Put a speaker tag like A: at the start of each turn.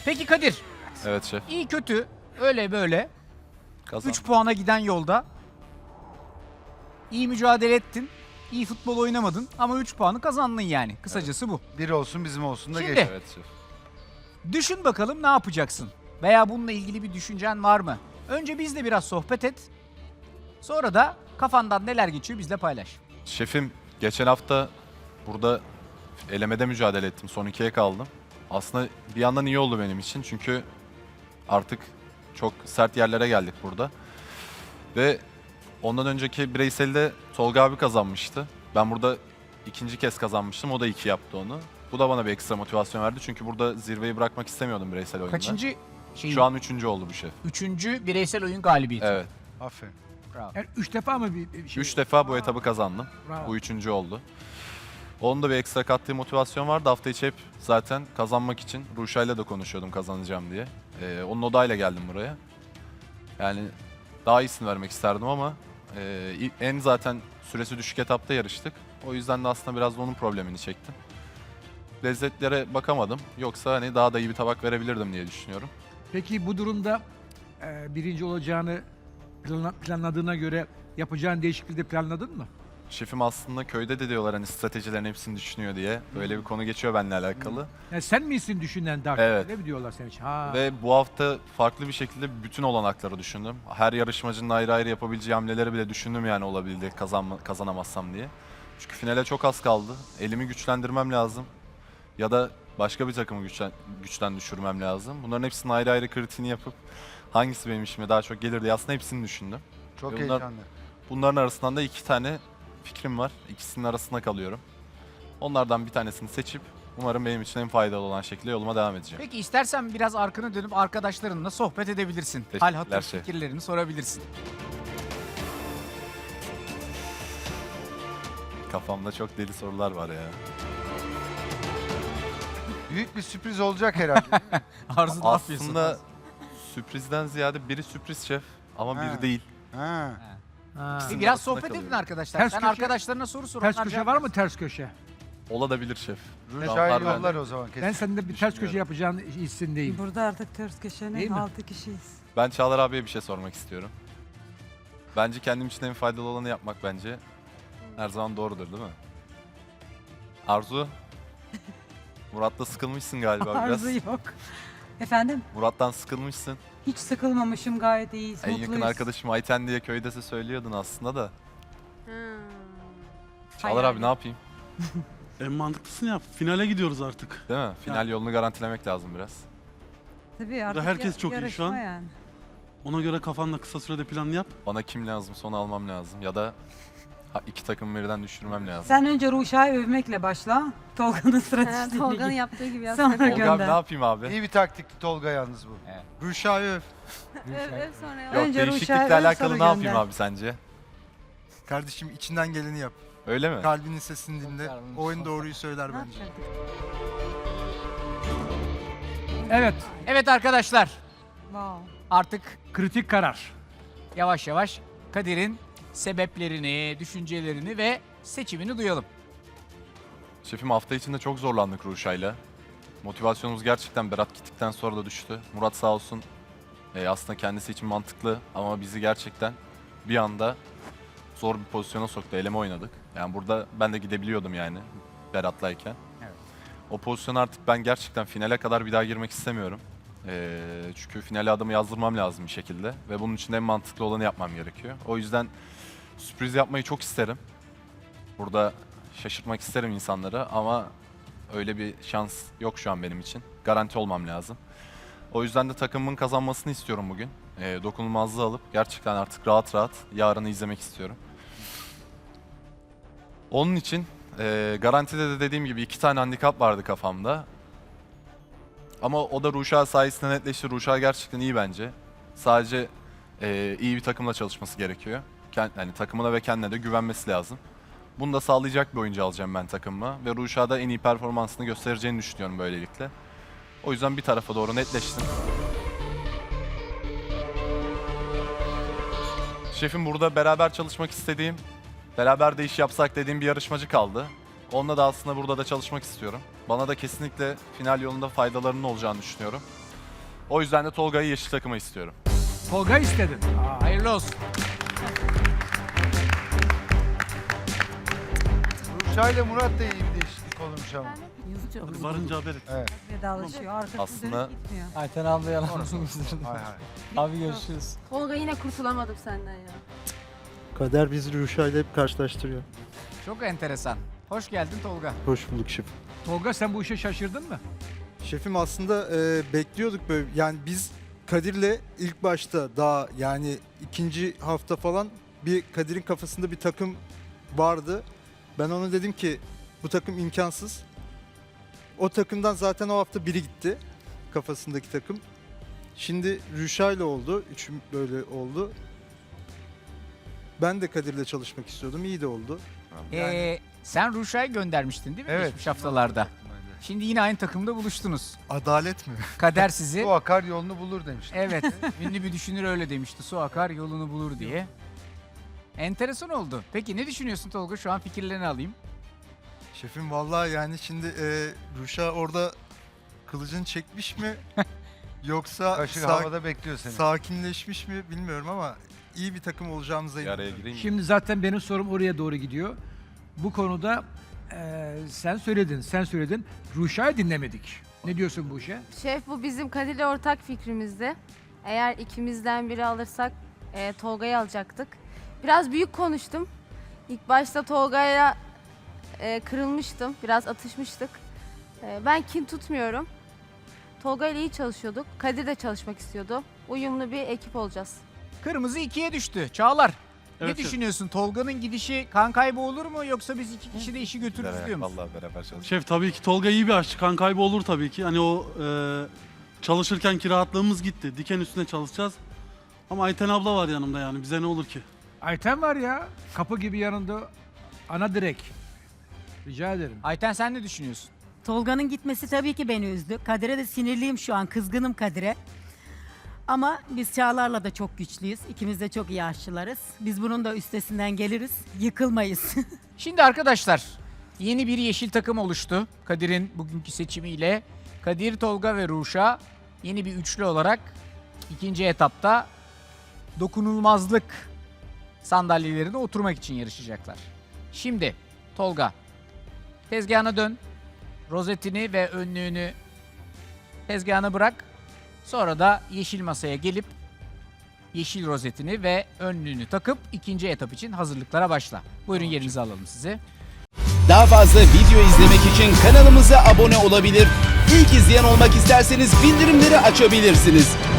A: Peki Kadir,
B: Evet şef.
A: iyi kötü öyle böyle
B: Kazan.
A: 3 puana giden yolda iyi mücadele ettin. İyi futbol oynamadın ama 3 puanı kazandın yani. Kısacası bu.
C: Bir olsun bizim olsun da
A: Şimdi-
C: geç.
B: Evet şef.
A: Düşün bakalım ne yapacaksın? Veya bununla ilgili bir düşüncen var mı? Önce bizle biraz sohbet et. Sonra da kafandan neler geçiyor bizle paylaş.
B: Şefim geçen hafta burada elemede mücadele ettim. Son 2'ye kaldım. Aslında bir yandan iyi oldu benim için. Çünkü artık çok sert yerlere geldik burada. Ve ondan önceki bireyselde Tolga abi kazanmıştı. Ben burada ikinci kez kazanmıştım. O da 2 yaptı onu. Bu da bana bir ekstra motivasyon verdi. Çünkü burada zirveyi bırakmak istemiyordum bireysel oyunda.
A: Kaçıncı şey?
B: Şu an 3. oldu bu şef.
A: 3. bireysel oyun galibiyeti.
B: Evet.
C: Aferin.
A: Bravo.
D: Yani 3 defa mı bir şey?
B: 3 defa bu etabı kazandım.
D: Bravo.
B: Bu 3. oldu. Onun da bir ekstra kattığı motivasyon vardı. Hafta içi hep zaten kazanmak için Ruşa'yla da konuşuyordum kazanacağım diye. Onun odayla geldim buraya. Yani daha iyisini vermek isterdim ama en zaten süresi düşük etapta yarıştık. O yüzden de aslında biraz da onun problemini çektim. Lezzetlere bakamadım. Yoksa hani daha da iyi bir tabak verebilirdim diye düşünüyorum.
D: Peki bu durumda birinci olacağını planladığına göre yapacağın değişikliği de planladın mı?
B: Şefim aslında köyde de diyorlar hani stratejilerin hepsini düşünüyor diye. Böyle bir konu geçiyor benimle alakalı.
D: Yani sen misin düşünen daha
B: Evet.
D: Ne mi diyorlar senin için? Ha.
B: Ve bu hafta farklı bir şekilde bütün olanakları düşündüm. Her yarışmacının ayrı ayrı yapabileceği hamleleri bile düşündüm yani olabildi kazanamazsam diye. Çünkü finale çok az kaldı. Elimi güçlendirmem lazım. Ya da başka bir takımı güçten düşürmem lazım. Bunların hepsinin ayrı ayrı kritiğini yapıp hangisi benim işime daha çok gelir diye aslında hepsini düşündüm.
C: Çok
B: Bunlar-
C: heyecanlı.
B: Bunların arasından da 2 tane fikrim var. İkisinin arasında kalıyorum. Onlardan bir tanesini seçip umarım benim için en faydalı olan şekilde yoluma devam edeceğim.
A: Peki istersen biraz arkanı dönüp arkadaşlarınla sohbet edebilirsin. Hal
B: Teşekkürler
A: hatır
B: şef.
A: fikirlerini sorabilirsin.
B: Kafamda çok deli sorular var ya.
C: Büyük bir sürpriz olacak herhalde. değil mi?
A: Arzu ne yapıyorsun?
B: Aslında sürprizden ziyade biri sürpriz şef ama
C: Ha.
B: biri değil.
C: Ha.
D: Ha.
A: Biraz
B: arasında
A: sohbet edin
B: kalıyorum.
A: arkadaşlar.
D: Ters
A: Sen
D: köşe-
A: arkadaşlarına soru sor.
D: Ters
A: onlar
D: köşe
A: cevap
D: var mı
A: versin.
D: ters köşe?
B: Olabilir şef.
C: Ruşa'yı
B: Var
C: yollar
B: bende.
C: o zaman kesin.
D: Ben sende bir ters köşe yapacağın hissindeyim.
E: Burada artık ters
D: Değil
E: köşenin
D: mi?
E: 6 kişiyiz.
B: Ben Çağlar abiye bir şey sormak istiyorum. Bence kendim için en faydalı olanı yapmak bence her zaman doğrudur değil mi? Arzu, Murat'la sıkılmışsın galiba biraz.
E: Arzu yok. Efendim?
B: Murat'tan sıkılmışsın.
E: Hiç sıkılmamışım, gayet iyiyiz,
B: En
E: mutluyuz.
B: yakın arkadaşım Ayten diye köyde de söylüyordun aslında da. Çağlar abi ne yapayım?
F: En mantıklısını yap. Finale gidiyoruz artık.
B: Değil mi? Final yolunu garantilemek lazım biraz.
E: Tabii artık
F: herkes çok iyi şu
E: yarışma
F: an.
E: Yani.
F: Ona göre kafanda kısa sürede plan yap.
B: Bana kim lazım onu almam lazım ya da iki takım birden düşürmem lazım.
E: Sen önce Ruşa'yı övmekle başla. Tolga'nın stratejisini
G: Tolga'nın
E: git.
G: yaptığı gibi
E: Sonra
G: yapsana.
B: Tolga abi
E: gönder.
B: ne yapayım abi?
C: İyi bir taktikti Tolga yalnız bu.
A: Evet.
C: Ruşa'yı öv.
G: Öv sonra ya.
B: Yok
E: Önce
B: değişiklikle
E: Ruşa'yı öv,
B: alakalı
E: sonra
B: ne yapayım
E: gönder.
B: abi sence?
H: Kardeşim içinden geleni yap.
B: Öyle mi?
H: Kalbinin sesini dinle.
A: Karnım
H: Oyun
A: sos.
H: doğruyu söyler
E: Ne
H: bence.
E: yapacaktık?
D: Evet,
A: Evet arkadaşlar,
E: Wow.
A: artık
D: kritik karar.
A: yavaş yavaş Kadir'in sebeplerini, düşüncelerini ve seçimini duyalım.
B: Şefim hafta içinde çok zorlandık Ruşa'yla. Motivasyonumuz gerçekten Berat gittikten sonra da düştü. Murat sağ olsun aslında kendisi için mantıklı ama bizi gerçekten bir anda zor bir pozisyona soktu. Eleme oynadık. Yani burada ben de gidebiliyordum yani Berat'layken.
A: Evet.
B: O pozisyona artık ben gerçekten finale kadar bir daha girmek istemiyorum. Çünkü finale adımı yazdırmam lazım bir şekilde. Ve bunun için de en mantıklı olanı yapmam gerekiyor. O yüzden sürpriz yapmayı çok isterim. Burada şaşırtmak isterim insanları ama öyle bir şans yok şu an benim için. Garanti olmam lazım. O yüzden de takımımın kazanmasını istiyorum bugün. Dokunulmazlığı alıp gerçekten artık rahat rahat yarını izlemek istiyorum. Onun için garantide de dediğim gibi 2 tane handikap vardı kafamda. Ama o da Ruşa sayesinde netleşti. Ruşa gerçekten iyi bence. Sadece iyi bir takımla çalışması gerekiyor. Yani takımına ve kendine de güvenmesi lazım. Bunu da sağlayacak bir oyuncu alacağım ben takımıma. Ve Ruşa'da en iyi performansını göstereceğini düşünüyorum böylelikle. O yüzden bir tarafa doğru netleştim. Şefim burada beraber çalışmak istediğim, beraber de iş yapsak dediğim bir yarışmacı kaldı. Onunla da aslında burada da çalışmak istiyorum. Bana da kesinlikle final yolunda faydalarının olacağını düşünüyorum. O yüzden de Tolga'yı yeşil takıma istiyorum.
D: Tolga istedin.
A: Hayırlı olsun.
C: Ruşa ile Murat da iyi bir değişiklik olmuş ama.
E: Yazıcı
F: Varınca haber et.
C: Evet.
E: vedalaşıyor. Arkasını
B: Aslında-
E: dönüp gitmiyor.
I: Ayten abla yalan
C: Hay hay.
I: Abi görüşürüz.
G: Tolga yine kurtulamadım senden ya.
J: Kader bizi Ruşa ile hep karşılaştırıyor.
A: Çok enteresan. Hoş geldin Tolga.
J: Hoş bulduk şef.
D: Tolga sen bu işe şaşırdın mı?
H: Şefim aslında bekliyorduk böyle. Yani biz Kadir'le ilk başta daha yani ikinci hafta falan bir Kadir'in kafasında bir takım vardı. Ben ona dedim ki bu takım imkansız. O takımdan zaten o hafta biri gitti. Kafasındaki takım. Şimdi Rüşa ile oldu. Üçüm böyle oldu. Ben de Kadir'le çalışmak istiyordum. İyi de oldu.
A: Sen Ruşa'yı göndermiştin değil mi
C: Evet.
A: geçmiş haftalarda? Şimdi yine aynı takımda buluştunuz.
H: Adalet mi?
A: Kader sizi...
C: Bu akar yolunu bulur demiştim.
A: Evet, ünlü bir düşünür öyle demişti. Su akar yolunu bulur diye. Enteresan oldu. Peki ne düşünüyorsun Tolga? Şu an fikirlerini alayım.
H: Şefim vallahi yani şimdi Ruşa orada kılıcını çekmiş mi? Yoksa
C: Kaşık havada bekliyor seni.
H: sakinleşmiş mi bilmiyorum ama iyi bir takım olacağımıza
B: Bir araya
H: inanıyorum.
B: gireyim mi?
D: Şimdi zaten benim sorum oraya doğru gidiyor. Bu konuda sen söyledin. Ruşa'yı dinlemedik. Ne diyorsun bu işe?
G: Şef bu bizim Kadir'le ortak fikrimizdi. Eğer ikimizden biri alırsak Tolga'yı alacaktık. Biraz büyük konuştum. İlk başta Tolga'ya kırılmıştım. Biraz atışmıştık. Ben kin tutmuyorum. Tolga ile iyi çalışıyorduk. Kadir de çalışmak istiyordu. Uyumlu bir ekip olacağız.
A: Kırmızı 2'ye düştü. Çağlar,
F: Evet,
A: ne düşünüyorsun? Tolga'nın gidişi kan kaybı olur mu yoksa biz iki kişi de işi götürürüz diyor musun?
B: Vallahi beraber çalışalım.
F: Şef tabii ki Tolga iyi bir aşçı. Kan kaybı olur tabii ki. Hani o çalışırken rahatlığımız gitti. Diken üstüne çalışacağız. Ama Ayten abla var yanımda yani. Bize ne olur ki?
D: Ayten var ya, kapı gibi yanında ana direk. Rica ederim.
A: Ayten sen ne düşünüyorsun?
E: Tolga'nın gitmesi tabii ki beni üzdü. Kadir'e de sinirliyim şu an. Kızgınım Kadir'e. Ama biz Çağlar'la da çok güçlüyüz. İkimiz de çok iyi aşçılarız. Biz bunun da üstesinden geliriz. Yıkılmayız.
A: Şimdi arkadaşlar yeni bir yeşil takım oluştu. Kadir'in bugünkü seçimiyle. Kadir, Tolga ve Ruşa yeni bir üçlü olarak ikinci etapta dokunulmazlık sandalyelerine oturmak için yarışacaklar. Şimdi Tolga tezgahına dön. Rozetini ve önlüğünü tezgahına bırak. Sonra da yeşil masaya gelip yeşil rozetini ve önlüğünü takıp ikinci etap için hazırlıklara başla. Buyurun yerinizi alalım sizi.
K: Daha fazla video izlemek için kanalımıza abone olabilir. İlk izleyen olmak isterseniz bildirimleri açabilirsiniz.